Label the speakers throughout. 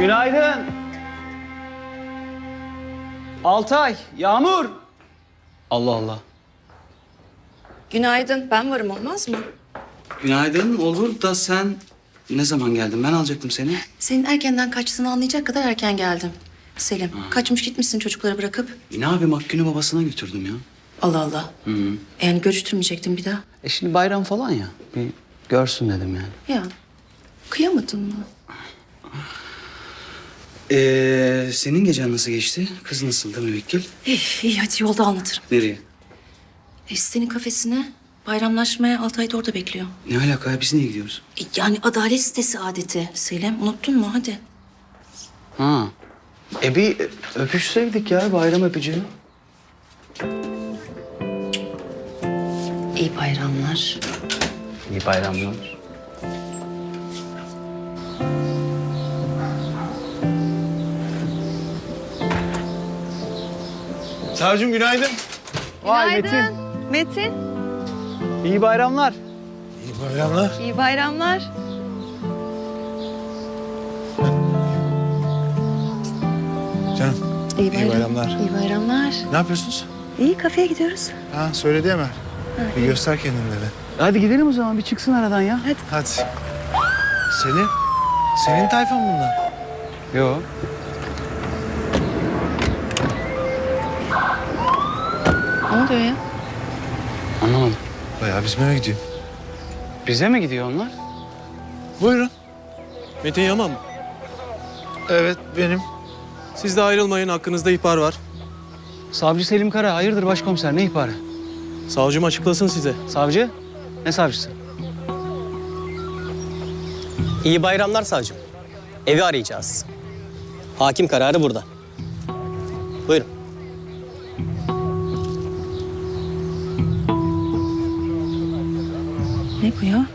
Speaker 1: Günaydın. Altay, Yağmur. Allah Allah.
Speaker 2: Günaydın. Ben varım, olmaz mı?
Speaker 1: Günaydın. Olur da sen ne zaman geldin? Ben alacaktım seni.
Speaker 2: Senin erkenden kaçtığını anlayacak kadar erken geldim. Selim, kaçmış gitmişsin çocukları bırakıp.
Speaker 1: Ne yapayım? Hakkı'nı babasına götürdüm ya.
Speaker 2: Allah Allah.
Speaker 1: Hı -hı.
Speaker 2: Yani görüştürmeyecektin bir daha.
Speaker 1: Şimdi bayram falan ya. Bir görsün dedim yani.
Speaker 2: Ya, kıyamadın mı?
Speaker 1: Senin gecen nasıl geçti? Kız nasıldı müvekkil?
Speaker 2: İyi hadi yolda anlatırım.
Speaker 1: Nereye?
Speaker 2: Senin kafesine bayramlaşmaya Altay da orada bekliyor.
Speaker 1: Ne alaka ya? Biz niye gidiyoruz?
Speaker 2: Yani adalet sitesi adeti. Selim, unuttun mu? Hadi.
Speaker 1: Ha. Bir öpüşseydik ya, bayram öpücüğü.
Speaker 2: İyi bayramlar.
Speaker 1: İyi bayramlar.
Speaker 3: Savcım günaydın.
Speaker 1: Vay
Speaker 4: Günaydın. Metin.
Speaker 1: İyi bayramlar.
Speaker 3: İyi bayramlar.
Speaker 4: İyi bayramlar.
Speaker 3: Canım
Speaker 2: İyi
Speaker 3: bayramlar.
Speaker 4: İyi bayramlar.
Speaker 3: Ne yapıyorsunuz?
Speaker 4: İyi kafeye gidiyoruz.
Speaker 3: Ha söyledi Emel. Bir göster kendini dedi.
Speaker 1: Hadi gidelim o zaman. Bir çıksın aradan ya.
Speaker 3: Hadi. Selim. Senin tayfan bunlar.
Speaker 1: Yok.
Speaker 2: Ne oluyor ya?
Speaker 1: Anlamadım.
Speaker 3: Bayağı bizim eve gidiyor.
Speaker 1: Bize mi gidiyor onlar?
Speaker 3: Buyurun.
Speaker 5: Metin Yaman mı?
Speaker 3: Evet benim.
Speaker 5: Siz de ayrılmayın, hakkınızda ihbar var.
Speaker 1: Savcı Selim Kara. Hayırdır başkomiser? Ne ihbarı?
Speaker 5: Savcım açıklasın size.
Speaker 1: Savcı? Ne savcısı?
Speaker 6: İyi bayramlar savcım. Evi arayacağız. Hakim kararı burada. Buyurun.
Speaker 2: Ne bu ya?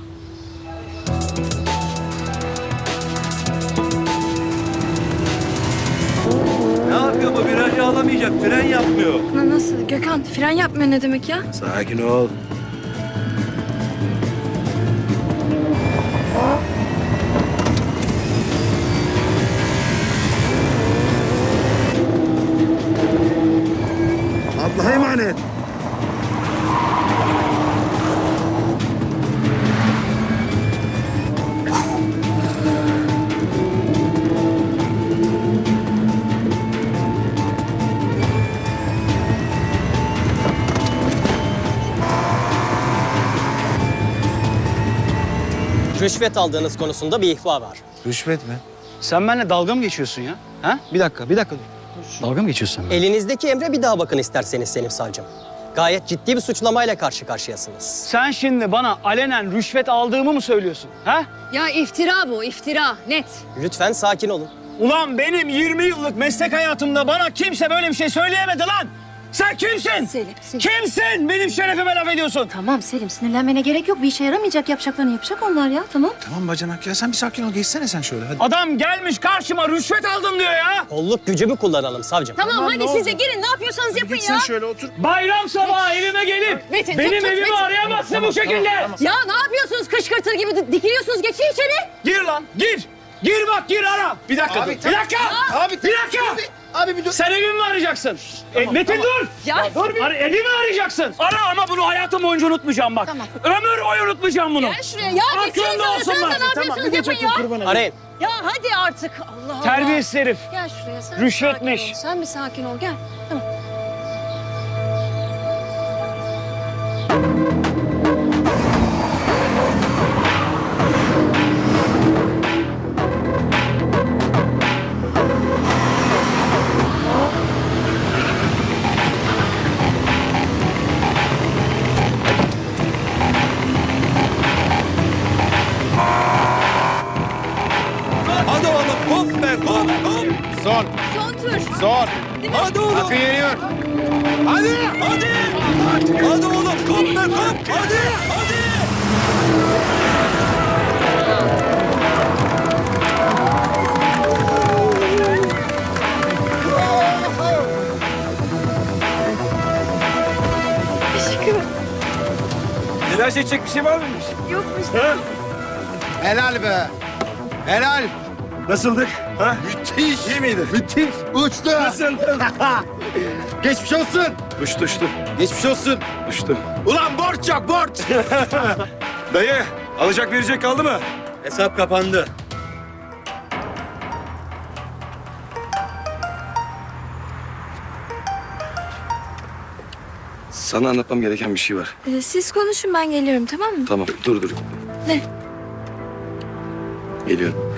Speaker 7: Ne yapıyor bu? Virajı alamayacak. Fren yapmıyor.
Speaker 2: Nasıl? Gökhan, fren yapmıyor ne demek ya?
Speaker 7: Sakin ol. Allah'a emanet.
Speaker 6: Rüşvet aldığınız konusunda bir ihbar var.
Speaker 3: Rüşvet mi?
Speaker 1: Sen benimle dalga mı geçiyorsun ya? Ha? Bir dakika dur. Dalga mı geçiyorsun sen benimle?
Speaker 6: Elinizdeki emre bir daha bakın isterseniz Selim savcım. Gayet ciddi bir suçlamayla karşı karşıyasınız.
Speaker 1: Sen şimdi bana alenen rüşvet aldığımı mı söylüyorsun? Ha?
Speaker 4: Ya iftira bu, iftira. Net.
Speaker 6: Lütfen sakin olun.
Speaker 8: Ulan benim 20 yıllık meslek hayatımda bana kimse böyle bir şey söyleyemedi lan. Sen kimsin?
Speaker 4: Selim.
Speaker 8: Kimsin? Benim şerefime laf ediyorsun.
Speaker 4: Tamam Selim, sinirlenmene gerek yok. Bir işe yaramayacak, yapacaklarını yapacak onlar ya, tamam.
Speaker 3: Tamam bacanak ya sen bir sakin ol. Geçsene sen şöyle hadi.
Speaker 8: Adam gelmiş karşıma rüşvet aldım diyor ya.
Speaker 6: Kolluk gücümü kullanalım savcım.
Speaker 4: Tamam hadi siz de girin, ne yapıyorsanız yapın
Speaker 3: Git sen
Speaker 4: ya.
Speaker 3: şöyle otur.
Speaker 8: Bayram sabahı evime gelip
Speaker 4: Metin,
Speaker 8: benim
Speaker 4: tut,
Speaker 8: evimi
Speaker 4: Metin.
Speaker 8: arayamazsın bu şekilde.
Speaker 4: Ya ne yapıyorsunuz kışkırtır gibi dikiliyorsunuz, geçin içeri.
Speaker 8: Gir lan gir. Gir bak gir ara. Bir dakika dur. Bir dakika.
Speaker 3: Abi,
Speaker 8: Bir dakika.
Speaker 3: Abi bir dur.
Speaker 8: Sen evimi mi arayacaksın? Metin dur.
Speaker 4: Ya.
Speaker 8: Dur bir. Evimi arayacaksın. Ara ama bunu hayatım boyunca unutmayacağım bak.
Speaker 4: Tamam.
Speaker 8: Ömür boyu unutmayacağım bunu.
Speaker 4: Gel şuraya ya, geçin
Speaker 8: Aklında
Speaker 4: sana,
Speaker 8: olsun
Speaker 4: sen
Speaker 8: bak.
Speaker 4: ne yapıyorsunuz yapın ya.
Speaker 6: Arayın.
Speaker 4: Ya hadi artık, Allah Allah.
Speaker 8: Terbiyesiz herif.
Speaker 4: Gel şuraya sen.
Speaker 8: Rüşvetmiş.
Speaker 4: sakin ol. Sen bir sakin ol, gel. Tamam.
Speaker 7: Hadi oğlum. Hop be. Hop hop.
Speaker 3: Son.
Speaker 4: Son tur.
Speaker 3: Son.
Speaker 7: Hadi oğlum.
Speaker 3: Hakkı yeniyor.
Speaker 7: Hadi. Hadi. Hadi oğlum. Hop be. Hop. Hadi. Hadi. Telaş edecek bir şey var mıymış?
Speaker 4: Yokmuş.
Speaker 3: Helal be. Helal.
Speaker 7: Nasıldık? Ha? Müthiş. İyi miydi? Müthiş. Uçtu. Nasıldı? Geçmiş olsun. Uçtu. Geçmiş olsun. Uçtu. Ulan borç yok borç. Dayı alacak verecek kaldı mı? Hesap kapandı. Sana anlatmam gereken bir şey var.
Speaker 4: Siz konuşun ben geliyorum tamam mı?
Speaker 7: Tamam dur.
Speaker 4: Ne?
Speaker 7: Geliyorum.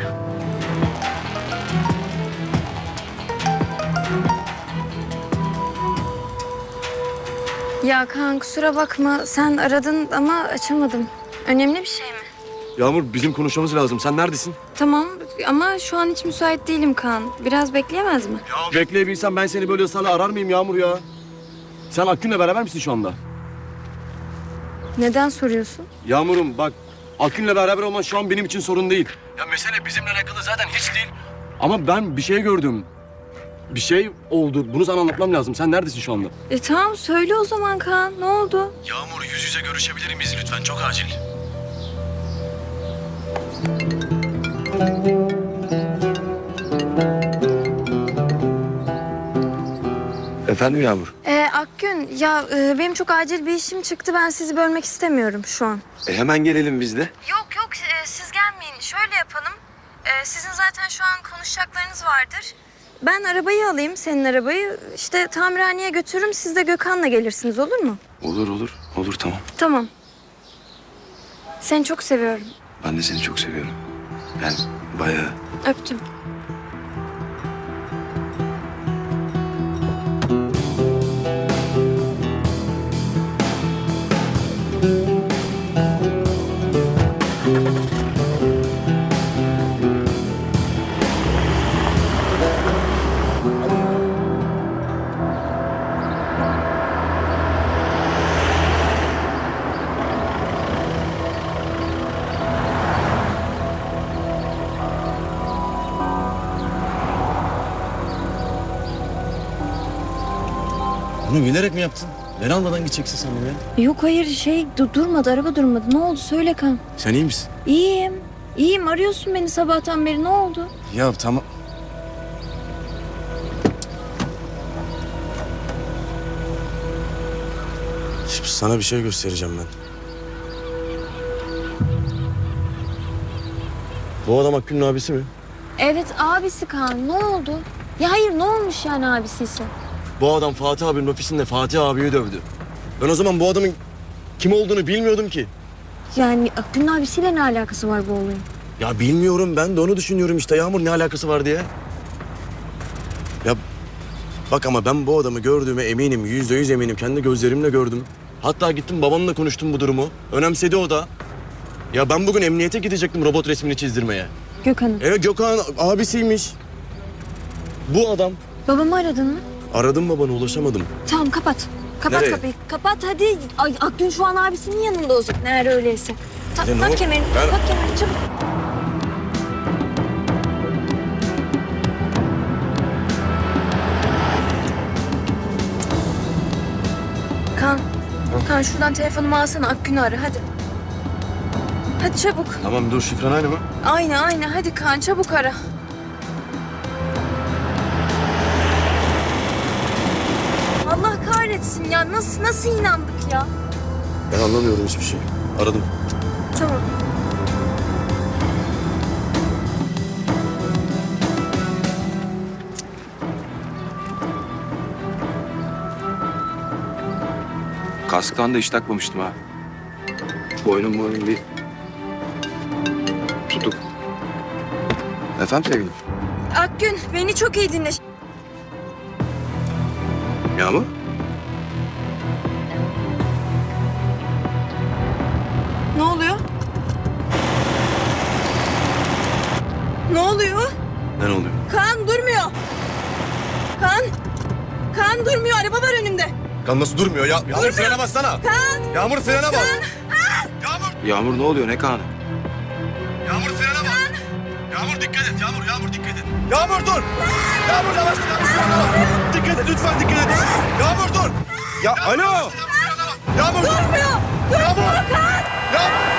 Speaker 4: Ya Kaan kusura bakma sen aradın ama açamadım. Önemli bir şey mi?
Speaker 7: Yağmur bizim konuşmamız lazım. Sen neredesin?
Speaker 4: Tamam ama şu an hiç müsait değilim Kaan. Biraz bekleyemez mi?
Speaker 7: Bekleyebilsem ben seni böyle ısrarla arar mıyım Yağmur ya? Sen Akgün'le beraber misin şu anda?
Speaker 4: Neden soruyorsun?
Speaker 7: Yağmur'um bak Akgün'le beraber olman şu an benim için sorun değil. Ya mesele bizimle alakalı zaten hiç değil. Ama ben bir şey gördüm. Bir şey oldu. Bunu sana anlatmam lazım. Sen neredesin şu anda?
Speaker 4: Tamam söyle o zaman Kaan. Ne oldu?
Speaker 7: Yağmur yüz yüze görüşebilir miyiz lütfen? Çok acil. Efendim Yağmur?
Speaker 4: Akgün ya benim çok acil bir işim çıktı. Ben sizi bölmek istemiyorum şu an.
Speaker 7: Hemen gelelim biz de.
Speaker 4: Yok siz gelmeyin. Şöyle yapalım. Sizin zaten şu an konuşacaklarınız vardır. Ben arabayı alayım, senin arabayı. İşte tamirhaneye götürürüm. Siz de Gökhan'la gelirsiniz olur mu?
Speaker 7: Olur tamam.
Speaker 4: Tamam. Seni çok seviyorum.
Speaker 7: Ben de seni çok seviyorum. Yani bayağı.
Speaker 4: Öptüm.
Speaker 7: Bunu bilerek mi yaptın? Ben almadan gideceksin sen ya.
Speaker 4: Yok hayır durmadı, araba durmadı. Ne oldu söyle Kaan.
Speaker 7: Sen iyi misin?
Speaker 4: İyiyim arıyorsun beni sabahtan beri ne oldu?
Speaker 7: Ya tamam. Şimdi sana bir şey göstereceğim ben. Bu adam Akgün'ün abisi mi?
Speaker 4: Evet abisi Kaan ne oldu? Ya hayır ne olmuş yani abisiyse?
Speaker 7: Bu adam Fatih abinin ofisinde Fatih abiyi dövdü. Ben o zaman bu adamın kim olduğunu bilmiyordum ki.
Speaker 4: Yani Akgün'ün abisiyle ne alakası var bu olayın?
Speaker 7: Ya bilmiyorum, ben de onu düşünüyorum işte Yağmur, ne alakası var diye. Ya bak ama ben bu adamı gördüğüme eminim, %100 eminim. Kendi gözlerimle gördüm. Hatta gittim babamla konuştum bu durumu. Önemsedi o da. Ya ben bugün emniyete gidecektim robot resmini çizdirmeye.
Speaker 4: Gökhan'ın.
Speaker 7: Evet Gökhan abisiymiş. Bu adam.
Speaker 4: Babamı aradın mı?
Speaker 7: Aradım babanı, ulaşamadım.
Speaker 4: Tamam kapat. Kapat
Speaker 7: Nereye?
Speaker 4: kapıyı. Kapat hadi. Ay, Akgün şu an abisinin yanında o zaman. Eğer öyleyse.
Speaker 7: Ya ne
Speaker 4: Tak
Speaker 7: oldu?
Speaker 4: kemerini.
Speaker 7: Ben-
Speaker 4: Tak kemerini çabuk. Kaan şuradan telefonumu alsana. Akgün'ü ara hadi. Hadi çabuk.
Speaker 7: Tamam dur, şifren aynı mı?
Speaker 4: Aynı. Hadi Kaan çabuk ara. Allah kahretsin ya. Nasıl inandık ya?
Speaker 7: Ben anlamıyorum hiçbir şey. Aradım.
Speaker 4: Tamam.
Speaker 9: Kasktan da hiç takmamıştım ha. Boynum bir tutuk. Efendim sevgilim?
Speaker 4: Akgün beni çok iyi dinle.
Speaker 9: Yağmur?
Speaker 4: Ne oluyor? Ne oluyor?
Speaker 7: Ne oluyor?
Speaker 4: Kaan durmuyor. Kaan durmuyor. Araba var önümde.
Speaker 7: Kan nasıl durmuyor ya? Yağmur frene bassana. Yağmur frene bas.
Speaker 9: Yağmur ne oluyor? Ne kanı?
Speaker 7: Yağmur frene bas. Yağmur dikkat et. Yağmur dikkat et. Yağmur dur. Yağmur yavaş. Yağmur frene bas. Dikkat et lütfen, dikkat et. Yağmur dur. Ya alo. Yağmur dur.
Speaker 4: Durmuyor.
Speaker 7: Yağmur. Yağmur.